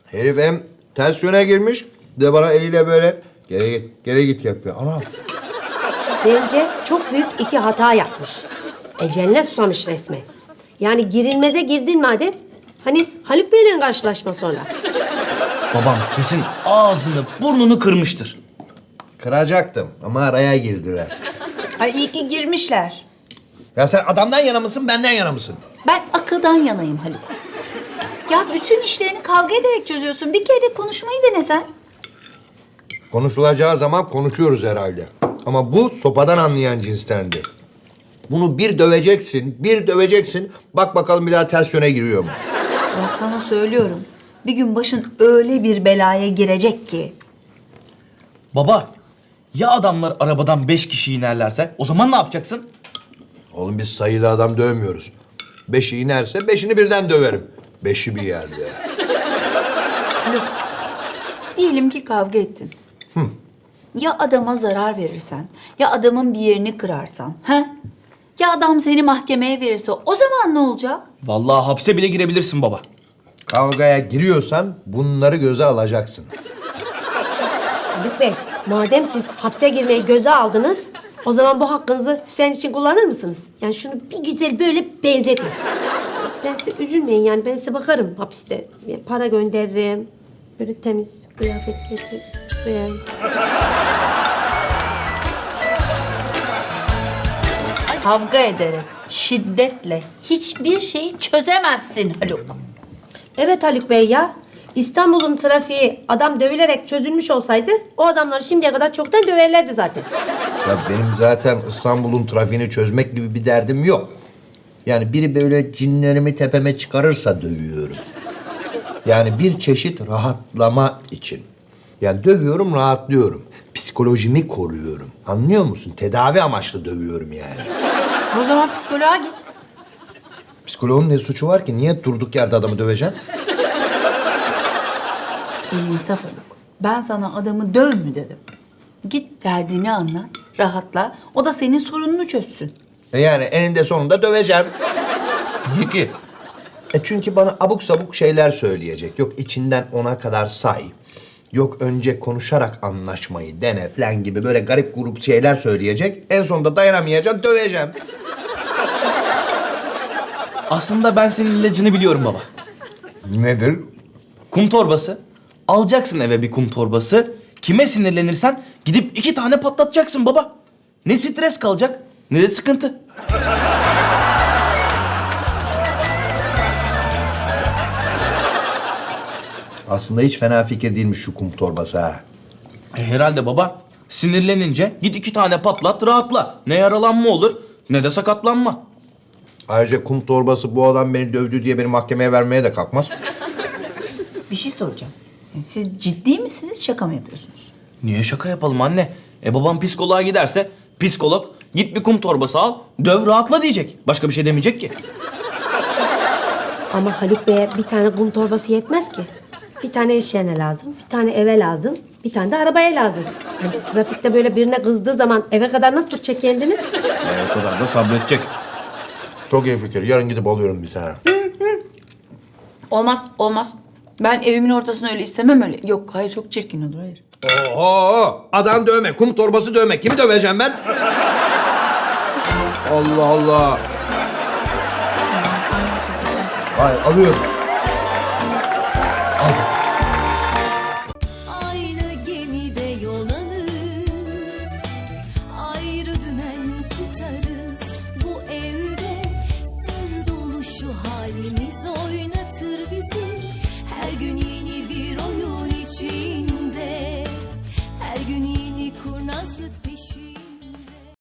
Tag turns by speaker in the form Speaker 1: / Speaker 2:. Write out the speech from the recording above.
Speaker 1: Herif hem ters yöne girmiş, de bana eliyle böyle geri git yapıyor. Ana.
Speaker 2: Bence çok büyük iki hata yapmış. Eceline susamış resmen. Yani girilmeze girdin madem. Hani Haluk Bey'le karşılaşma sonra.
Speaker 3: Babam kesin ağzını burnunu kırmıştır.
Speaker 1: Kıracaktım ama araya girdiler.
Speaker 4: Ay iyi ki girmişler.
Speaker 1: Ya sen adamdan yana mısın, benden yana mısın?
Speaker 4: Ben akıldan yanayım Haluk. Ya bütün işlerini kavga ederek çözüyorsun. Bir kere de konuşmayı denesen.
Speaker 1: Konuşulacağı zaman konuşuyoruz herhalde. Ama bu sopadan anlayan cinstendi. Bunu bir döveceksin. Bak bakalım bir daha ters yöne giriyor mu?
Speaker 4: Bak sana söylüyorum. Bir gün başın öyle bir belaya girecek ki.
Speaker 3: Baba, ya adamlar arabadan 5 kişi inerlerse o zaman ne yapacaksın?
Speaker 1: Oğlum biz sayılı adam dövmüyoruz. 5'i inerse 5'ini birden döverim. 5'i bir yerde.
Speaker 4: Haluk, diyelim ki kavga ettin. Ya adama zarar verirsen, ya adamın bir yerini kırarsan, he? Ya adam seni mahkemeye verirse o zaman ne olacak?
Speaker 3: Vallahi hapse bile girebilirsin baba.
Speaker 1: Kavgaya giriyorsan bunları göze alacaksın.
Speaker 2: Haluk Bey, madem siz hapse girmeyi göze aldınız... ...o zaman bu hakkınızı Hüseyin için kullanır mısınız? Yani şunu bir güzel böyle benzetin. Ben size üzülmeyin yani, ben size bakarım hapiste. Yani para gönderirim. Böyle temiz kıyafet getiririm.
Speaker 4: Kavga ederek, şiddetle hiçbir şeyi çözemezsin Haluk.
Speaker 2: Evet Haluk Bey ya. İstanbul'un trafiği adam dövülerek çözülmüş olsaydı... ...o adamları şimdiye kadar çoktan döverlerdi zaten.
Speaker 1: Ya benim zaten İstanbul'un trafiğini çözmek gibi bir derdim yok. Yani biri böyle cinlerimi tepeme çıkarırsa dövüyorum. Yani bir çeşit rahatlama için. Yani dövüyorum, rahatlıyorum. Psikolojimi koruyorum. Anlıyor musun? Tedavi amaçlı dövüyorum yani.
Speaker 4: O zaman psikoloğa git.
Speaker 1: Psikoloğun ne suçu var ki? Niye durduk yerde adamı döveceğim?
Speaker 4: İnsaf Haluk. Ben sana adamı döv mü dedim. Git derdini anlat, rahatla. O da senin sorununu çözsün.
Speaker 1: Yani eninde sonunda döveceğim.
Speaker 3: Niye ki?
Speaker 1: Çünkü bana abuk sabuk şeyler söyleyecek. Yok içinden 10'a kadar say. Yok önce konuşarak anlaşmayı dene falan gibi böyle garip grup şeyler söyleyecek. En sonunda dayanamayacağım, döveceğim.
Speaker 3: Aslında ben senin ilacını biliyorum baba.
Speaker 1: Nedir?
Speaker 3: Kum torbası. Alacaksın eve bir kum torbası. Kime sinirlenirsen gidip 2 tane patlatacaksın baba. Ne stres kalacak ne de sıkıntı.
Speaker 1: Aslında hiç fena fikir değilmiş şu kum torbası ha.
Speaker 3: Herhalde baba. Sinirlenince git 2 tane patlat rahatla. Ne yaralanma olur ne de sakatlanma.
Speaker 1: Ayrıca kum torbası bu adam beni dövdü diye beni mahkemeye vermeye de kalkmaz.
Speaker 4: Bir şey soracağım. Siz ciddi misiniz, şaka mı yapıyorsunuz?
Speaker 3: Niye şaka yapalım anne? Babam psikoloğa giderse psikolog git bir kum torbası al döv rahatla diyecek. Başka bir şey demeyecek ki.
Speaker 2: Ama Haluk Bey'e bir tane kum torbası yetmez ki. Bir tane iş yerine lazım, bir tane eve lazım, bir tane de arabaya lazım. Yani trafikte böyle birine kızdığı zaman eve kadar nasıl tutacak kendini?
Speaker 3: O kadar da sabredecek.
Speaker 1: Çok iyi fikir. Yarın gidip alıyorum bir tane.
Speaker 4: Olmaz, olmaz. Ben evimin ortasını öyle istemem öyle. Yok, hayır çok çirkin olur, hayır.
Speaker 1: Oho! Adam dövme, kum torbası dövme. Kimi döveceğim ben? Allah Allah! Hayır, alıyorum.
Speaker 3: Al.